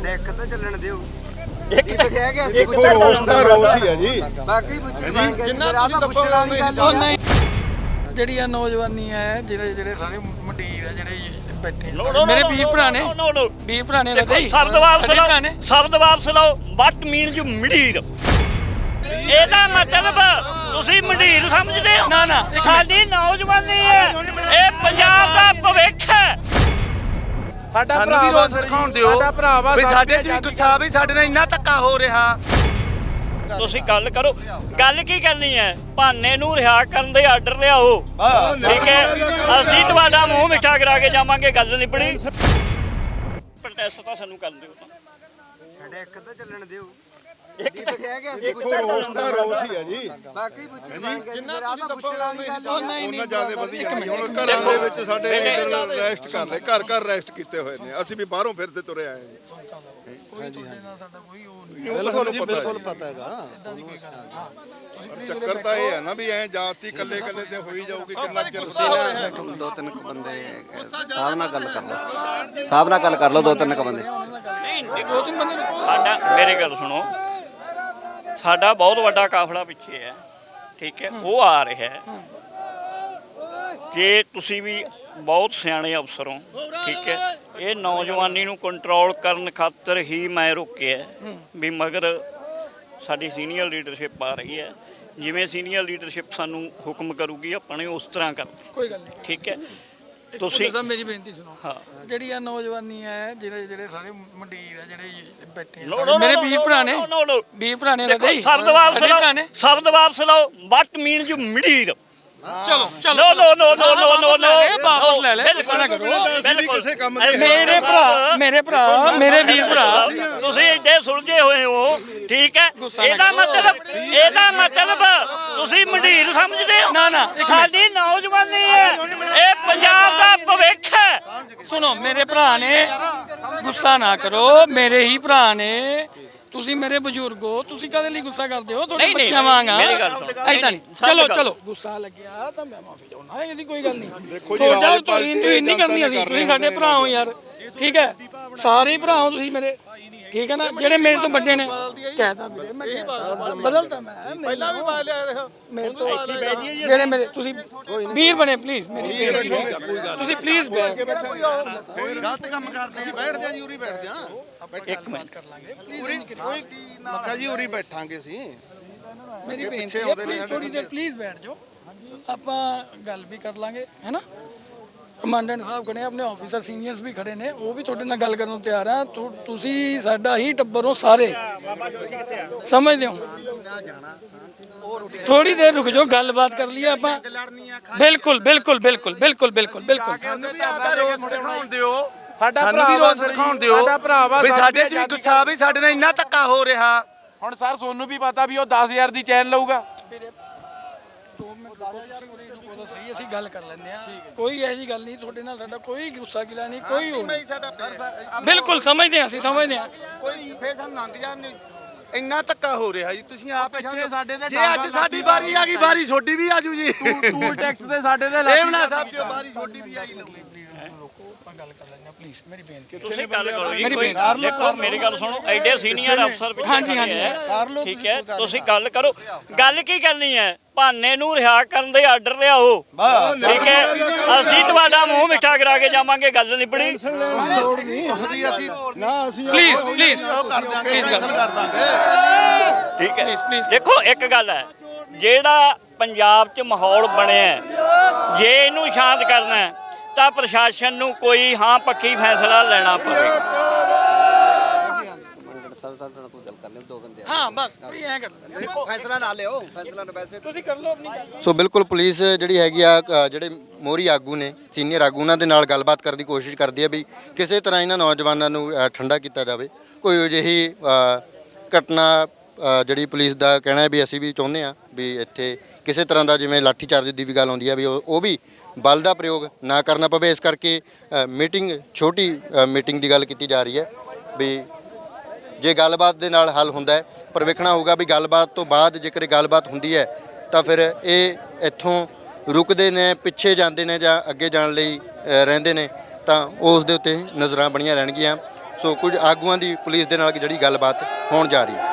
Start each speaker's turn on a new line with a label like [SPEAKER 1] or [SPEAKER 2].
[SPEAKER 1] ਸਾਡੇ ਇੱਕ ਤਾਂ ਚੱਲਣ ਦਿਓ
[SPEAKER 2] ਇੱਕ
[SPEAKER 1] ਇਹ ਕਹਿ ਗਿਆ ਸੀ
[SPEAKER 3] ਦੇਖੋ ਰੋਸ ਦਾ ਰੋਸ ਹੀ ਹੈ ਜੀ।
[SPEAKER 1] ਬਾਕੀ ਪੁੱਛਾਂਗੇ ਜਿੰਨਾ ਤਾਂ ਪੁੱਛਣ ਵਾਲੀ ਗੱਲ
[SPEAKER 4] ਨਹੀਂ ਜਿਹੜੀ ਆ ਨੌਜਵਾਨੀ ਹੈ ਜਿਹੜੇ ਸਾਰੇ ਮੰਡੀਰ ਆ ਜਿਹੜੇ ਬੈਠੇ ਮੇਰੇ ਵੀਰ ਭਰਾ ਨੇ ਵੀਰ ਭਰਾ ਨੇ
[SPEAKER 2] ਸ਼ਬਦ ਵਾਪਸ ਲਓ ਵਟ ਮੀਨ ਯੂ ਮੰਡੀਰ ਇਹਦਾ ਮਤਲਬ ਤੁਸੀਂ ਮੰਡੀਰ ਸਮਝਦੇ ਹੋ
[SPEAKER 4] ਨਾ
[SPEAKER 2] ਸਾਡੀ ਨੌਜਵਾਨੀ ਹੈ ਇਹ ਪੰਜਾਬ ਦਾ ਭਵਿੱਖ ਹੈ
[SPEAKER 5] ਸਾਨੂੰ ਵੀ ਰੋਸ ਦਿਖਾਉਣ ਦਿਓ ਵੀ ਸਾਡੇ ਚ ਵੀ ਗੁੱਸਾ ਵੀ ਸਾਡੇ ਨਾਲ ਇੰਨਾ ਧੱਕਾ ਹੋ ਰਿਹਾ।
[SPEAKER 2] ਤੁਸੀਂ ਗੱਲ ਕਰੋ ਗੱਲ ਕੀ ਕਰਨੀ ਹੈ ਭਾਨੇ ਨੂੰ ਰਿਹਾ ਕਰਨ ਦੇ ਆਰਡਰ ਲਿਆਓ ਠੀਕ ਹੈ ਅਸੀਂ ਤੁਹਾਡਾ ਮੂੰਹ ਮਿੱਠਾ ਕਰਾ ਕੇ ਜਾਵਾਂਗੇ ਗੱਲ ਨਿਬੜੀ ਪ੍ਰੋਟੈਸਟ ਤਾਂ ਸਾਨੂੰ ਕਰਨ ਦਿਓ
[SPEAKER 1] ਸਾਡੇ ਇੱਕ ਤਾਂ ਚੱਲਣ ਦਿਓ ਇਹ ਕਹਿ ਗਿਆ ਸੀ
[SPEAKER 3] ਦੇਖੋ ਰੋਸ ਦਾ ਰੋਸ ਹੀ ਹੈ ਜੀ।
[SPEAKER 1] ਬਾਕੀ ਪੁੱਛਾਂਗੇ ਜਿੰਨਾ ਤਾਂ ਪੁੱਛਣ ਵਾਲੀ ਗੱਲ
[SPEAKER 3] ਉਹਨਾਂ ਜ਼ਿਆਦਾ ਵਧੀਆ ਹੁਣ ਘਰਾਂ ਦੇ ਵਿੱਚ ਸਾਡੇ ਲੀਡਰ ਰੈਸਟ ਕਰ ਰਹੇ ਘਰ ਰੈਸਟ ਕੀਤੇ ਹੋਏ ਨੇ ਅਸੀਂ ਵੀ ਬਾਹਰੋਂ ਫਿਰਦੇ ਤੁਰੇ ਆਏ ਜੀ। ਬਿਲਕੁਲ ਪਤਾ ਹੈਗਾ ਚੱਕਰ ਤਾਂ ਇਹ ਹੈ ਨਾ ਵੀ ਐ ਜਾਤੀ ਕੱਲੇ ਤੇ ਹੋਈ ਜਾਊਗੀ ਕਿੰਨਾ ਚਿਰ
[SPEAKER 1] ਦੋ ਤਿੰਨ ਬੰਦੇ ਸਾਹਿਬ ਨਾਲ ਗੱਲ ਕਰ ਲਓ ਦੋ ਤਿੰਨ ਬੰਦੇ
[SPEAKER 2] ਸਾਡਾ ਮੇਰੀ ਗੱਲ ਸੁਣੋ ਸਾਡਾ ਬਹੁਤ ਵੱਡਾ ਕਾਫਲਾ ਪਿੱਛੇ ਹੈ ਠੀਕ ਹੈ ਉਹ ਆ ਰਿਹਾ ਹੈ ਜੇ ਤੁਸੀਂ ਵੀ ਬਹੁਤ ਸਿਆਣੇ ਅਫਸਰ ਹੋ ਠੀਕ ਹੈ ਇਹ ਨੌਜਵਾਨੀ ਨੂੰ ਕੰਟਰੋਲ ਕਰਨ ਖਾਤਰ ਹੀ ਮੈਂ ਰੋਕਿਆ ਵੀ ਮਗਰ ਸਾਡੀ ਸੀਨੀਅਰ ਲੀਡਰਸ਼ਿਪ ਆ ਰਹੀ ਹੈ ਜਿਵੇਂ ਸੀਨੀਅਰ ਲੀਡਰਸ਼ਿਪ ਸਾਨੂੰ ਹੁਕਮ ਕਰੂਗੀ ਆਪਾਂ ਨੇ ਉਸ ਤਰ੍ਹਾਂ ਕਰਨਾ
[SPEAKER 4] ਕੋਈ ਗੱਲ ਨਹੀਂ
[SPEAKER 2] ਠੀਕ ਹੈ ਤੁਸੀਂ
[SPEAKER 4] ਮੇਰੀ ਬੇਨਤੀ ਸੁਣੋ ਜਿਹੜੀ ਆ ਨੌਜਵਾਨੀ ਹੈ ਜਿਹੜੇ ਸਾਰੇ ਮੰਡੀਰ ਆ ਜਿਹੜੇ ਬੈਠੇ ਮੇਰੇ ਵੀਰ ਭਰਾ ਨੇ
[SPEAKER 2] ਸ਼ਬਦ ਵਾਪਸ ਲਓ ਵਟ ਮੀਨ ਯੂ ਮੰਡੀਰ
[SPEAKER 4] ਚਲੋ ਵਾਪਸ ਲੈ ਲੈ
[SPEAKER 3] ਕਿਸੇ ਕੰਮ
[SPEAKER 4] ਮੇਰੇ ਵੀਰ ਭਰਾ
[SPEAKER 2] ਤੁਸੀਂ ਏਡੇ ਸੁਲਝੇ ਹੋਏ ਹੋ ਠੀਕ ਹੈ ਇਹਦਾ ਮਤਲਬ ਤੁਸੀਂ ਮੰਡੀਰ ਸਮਝਦੇ ਹੋ
[SPEAKER 4] ਨਾ
[SPEAKER 2] ਸਾਡੀ ਨੌਜਵਾਨੀ ਹੈ ਇਹ ਪੰਜਾਬ ਦਾ ਭਵਿੱਖ ਹੈ
[SPEAKER 4] ਸੁਣੋ ਮੇਰੇ ਭਰਾ ਨੇ ਗੁੱਸਾ ਨਾ ਕਰੋ ਮੇਰੇ ਹੀ ਭਰਾ ਨੇ ਤੁਸੀਂ ਮੇਰੇ ਬਜ਼ੁਰਗ ਹੋ ਤੁਸੀਂ ਕਦੇ ਲਈ ਗੁੱਸਾ ਕਰਦੇ ਹੋ ਤੁਹਾਡੇ ਬੱਚਿਆਂ ਵਾਂਗ ਐਦਾਂ ਨਹੀਂ ਚਲੋ ਗੁੱਸਾ ਲੱਗਿਆ ਤਾਂ ਮੈਂ ਮਾਫੀ ਚਾਹੁੰਦਾ ਇਹਦੀ ਕੋਈ ਗੱਲ ਨਹੀਂ ਤੁਹਾਡਾ ਤੁਸੀਂ ਨਹੀਂ ਕਰਨੀ ਅਸੀਂ ਤੁਸੀਂ ਸਾਡੇ ਭਰਾ ਹੋ ਯਾਰ ਠੀਕ ਹੈ ਸਾਰੇ ਭਰਾ ਹੋ ਤੁਸੀਂ ਮੇਰੇ ਠੀਕ ਹੈ ਨਾ ਜਿਹੜੇ ਮੇਰੇ ਤੋਂ ਵੱਡੇ ਨੇ ਕਹਿਤਾ ਵੀਰੇ ਮੈਂ ਬਦਲਦਾ ਮੈਂ ਪਹਿਲਾਂ ਵੀ ਬਾਲ ਲਿਆ ਰਿਹਾ ਮੇਰੇ ਤੋਂ ਜਿਹੜੇ ਮੇਰੇ ਤੁਸੀਂ ਵੀਰ ਬਣੇ ਪਲੀਜ਼ ਮੇਰੀ ਸੇਵਾ ਤੁਸੀਂ ਪਲੀਜ਼
[SPEAKER 5] ਗਲਤ ਕੰਮ ਕਰਦੇ ਆ ਬੈਠ ਜਾ ਜੀ ਉਰੀ ਬੈਠ ਜਾ
[SPEAKER 4] ਇੱਕ ਮਿੰਟ ਕਰ ਲਾਂਗੇ
[SPEAKER 5] ਮੱਖਾ ਜੀ ਉਰੀ ਬੈਠਾਂਗੇ ਅਸੀਂ
[SPEAKER 4] ਮੇਰੀ ਬੇਨਤੀ ਹੈ ਪਲੀਜ਼ ਥੋੜੀ ਦੇਰ ਪਲੀਜ਼ ਬੈਠ ਜਾਓ ਆਪਾਂ ਗੱਲ ਵੀ ਕਰ ਲਾਂਗੇ ਹੈ ਨਾ ਕਮਾਂਡੈਂਟ ਸਾਹਿਬ ਖੜੇ ਆਪਣੇ ਆਫੀਸਰ ਸੀਨੀਅਰਸ ਵੀ ਖੜੇ ਨੇ ਉਹ ਵੀ ਤੁਹਾਡੇ ਨਾਲ ਗੱਲ ਕਰਨ ਨੂੰ ਤਿਆਰ ਆ ਤੁਸੀਂ ਸਾਡਾ ਹੀ ਟੱਬਰ ਹੋ ਸਾਰੇ ਸਮਝਦੇ ਹੋ ਥੋੜੀ ਦੇਰ ਰੁਕ ਜਾਓ ਗੱਲਬਾਤ ਕਰ ਲਈਏ ਆਪਾਂ ਬਿਲਕੁਲ
[SPEAKER 5] ਸਾਨੂੰ ਵੀ ਆਪਦਾ ਰੋਸ ਦਿਖਾਉਣ ਦਿਓ ਵੀ ਸਾਡੇ ਚ ਵੀ ਗੁੱਸਾ ਵੀ ਸਾਡੇ ਨਾਲ ਇੰਨਾ ਧੱਕਾ ਹੋ ਰਿਹਾ।
[SPEAKER 6] ਹੁਣ ਸਰ ਸੋਨੂੰ ਵੀ ਪਤਾ ਵੀ ਉਹ 10,000 ਦੀ ਚੈਨ ਲਊਗਾ
[SPEAKER 4] ਸਹੀ ਅਸੀਂ ਗੱਲ ਕਰ ਲੈਂਦੇ ਆ ਕੋਈ ਇਹੋ ਜਿਹੀ ਗੱਲ ਨਹੀਂ ਤੁਹਾਡੇ ਨਾਲ ਸਾਡਾ ਕੋਈ ਗੁੱਸਾ ਗਿਲਾ ਨਹੀਂ ਕੋਈ ਬਿਲਕੁਲ ਸਮਝਦੇ ਆ ਅਸੀਂ ਸਮਝਦੇ ਆ
[SPEAKER 5] ਕੋਈ ਫੇਰ ਸਾਨੂੰ ਲੰਘ ਜਾਂਦੇ ਇੰਨਾ ਧੱਕਾ ਹੋ ਰਿਹਾ ਜੀ ਤੁਸੀਂ ਆਪ
[SPEAKER 6] ਸਾਡੇ ਤੇ
[SPEAKER 5] ਜੇ ਅੱਜ ਸਾਡੀ ਵਾਰੀ ਆ ਗਈ ਵਾਰੀ ਛੋਟੀ ਵੀ ਆਜੂ ਜੀ
[SPEAKER 6] ਟੂਲ ਟੈਕਸ ਦੇ ਸਾਡੇ ਤੇ
[SPEAKER 5] ਲੇਵਣਾ ਸਾਹਿਬ ਜੋ ਵਾਰੀ ਛੋਟੀ ਵੀ ਆਈ ਲਊ
[SPEAKER 4] ਗੱਲ ਕਰ ਲੈਂਦੇ ਆ ਪਲੀਜ਼ ਮੇਰੀ ਬੇਨਤੀ
[SPEAKER 2] ਤੁਸੀਂ ਗੱਲ ਕਰੋ ਦੇਖੋ ਮੇਰੀ ਗੱਲ ਸੁਣੋ ਐਡੇ ਸੀਨੀਅਰ ਅਫਸਰ
[SPEAKER 4] ਹਾਂਜੀ
[SPEAKER 2] ਠੀਕ ਹੈ ਤੁਸੀਂ ਗੱਲ ਕਰੋ ਗੱਲ ਕੀ ਕਰਨੀ ਹੈ ਭਾਨੇ ਨੂੰ ਰਿਹਾ ਕਰਨ ਦੇ ਆਰਡਰ ਲਿਆਓ ਠੀਕ ਹੈ ਅਸੀਂ ਤੁਹਾਡਾ ਮੂੰਹ ਮਿੱਠਾ ਕਰਾ ਕੇ ਜਾਵਾਂਗੇ ਗੱਲ ਨਿਬੜੀ
[SPEAKER 4] ਪਲੀਜ਼
[SPEAKER 5] ਕਰ ਦਾਂਗੇ
[SPEAKER 2] ਠੀਕ ਹੈ ਦੇਖੋ ਇੱਕ ਗੱਲ ਹੈ ਜਿਹੜਾ ਪੰਜਾਬ 'ਚ ਮਾਹੌਲ ਬਣਿਆ ਜੇ ਇਹਨੂੰ ਸ਼ਾਂਤ ਕਰਨਾ ਹੈ ਤਾਂ ਪ੍ਰਸ਼ਾਸਨ ਨੂੰ ਕੋਈ ਹਾਂ ਪੱਕੀ ਫੈਸਲਾ ਲੈਣਾ ਪਵੇਗਾ
[SPEAKER 4] ਹਾਂ ਬਸ ਕੋਈ ਐ ਕਰ ਲੈਂਦੇ
[SPEAKER 1] ਫੈਸਲਾ ਨਾ ਲਿਓ ਫੈਸਲਾ ਨਾ ਵੈਸੇ
[SPEAKER 4] ਤੁਸੀਂ ਕਰ ਲਓ ਆਪਣੀ ਗੱਲ
[SPEAKER 7] ਸੋ ਬਿਲਕੁਲ ਪੁਲਿਸ ਜਿਹੜੀ ਹੈਗੀ ਆ ਜਿਹੜੇ ਮੋਹਰੀ ਆਗੂ ਨੇ ਸੀਨੀਅਰ ਆਗੂ ਉਹਨਾਂ ਦੇ ਨਾਲ ਗੱਲਬਾਤ ਕਰਨ ਦੀ ਕੋਸ਼ਿਸ਼ ਕਰਦੀ ਹੈ ਵੀ ਕਿਸੇ ਤਰ੍ਹਾਂ ਇਹਨਾਂ ਨੌਜਵਾਨਾਂ ਨੂੰ ਠੰਡਾ ਕੀਤਾ ਜਾਵੇ ਕੋਈ ਅਜਿਹੀ ਘਟਨਾ ਜਿਹੜੀ ਪੁਲਿਸ ਦਾ ਕਹਿਣਾ ਹੈ ਵੀ ਅਸੀਂ ਵੀ ਚਾਹੁੰਦੇ ਹਾਂ ਵੀ ਇੱਥੇ ਕਿਸੇ ਤਰ੍ਹਾਂ ਦਾ ਜਿਵੇਂ ਲਾਠੀ ਚਾਰਜ ਦੀ ਵੀ ਗੱਲ ਆਉਂਦੀ ਹੈ ਵੀ ਉਹ ਵੀ ਬਲ ਦਾ ਪ੍ਰਯੋਗ ਨਾ ਕਰਨਾ ਪਵੇ ਇਸ ਕਰਕੇ ਛੋਟੀ ਮੀਟਿੰਗ ਦੀ ਗੱਲ ਕੀਤੀ ਜਾ ਰਹੀ ਹੈ ਵੀ ਜੇ ਗੱਲਬਾਤ ਦੇ ਨਾਲ ਹੱਲ ਹੁੰਦਾ ਹੈ ਪਰ ਵੇਖਣਾ ਹੋਊਗਾ ਵੀ ਗੱਲਬਾਤ ਤੋਂ ਬਾਅਦ ਜੇਕਰ ਗੱਲਬਾਤ ਹੁੰਦੀ ਹੈ ਤਾਂ ਫਿਰ ਇਹ ਇੱਥੋਂ ਰੁਕਦੇ ਨੇ ਪਿੱਛੇ ਜਾਂਦੇ ਨੇ ਜਾਂ ਅੱਗੇ ਜਾਣ ਲਈ ਰਹਿੰਦੇ ਨੇ ਤਾਂ ਉਸ ਦੇ ਉੱਤੇ ਨਜ਼ਰਾਂ ਬਣੀਆਂ ਰਹਿਣਗੀਆਂ ਸੋ ਕੁਝ ਆਗੂਆਂ ਦੀ ਪੁਲਿਸ ਦੇ ਨਾਲ ਜਿਹੜੀ ਗੱਲਬਾਤ ਹੋਣ ਜਾ ਰਹੀ ਹੈ।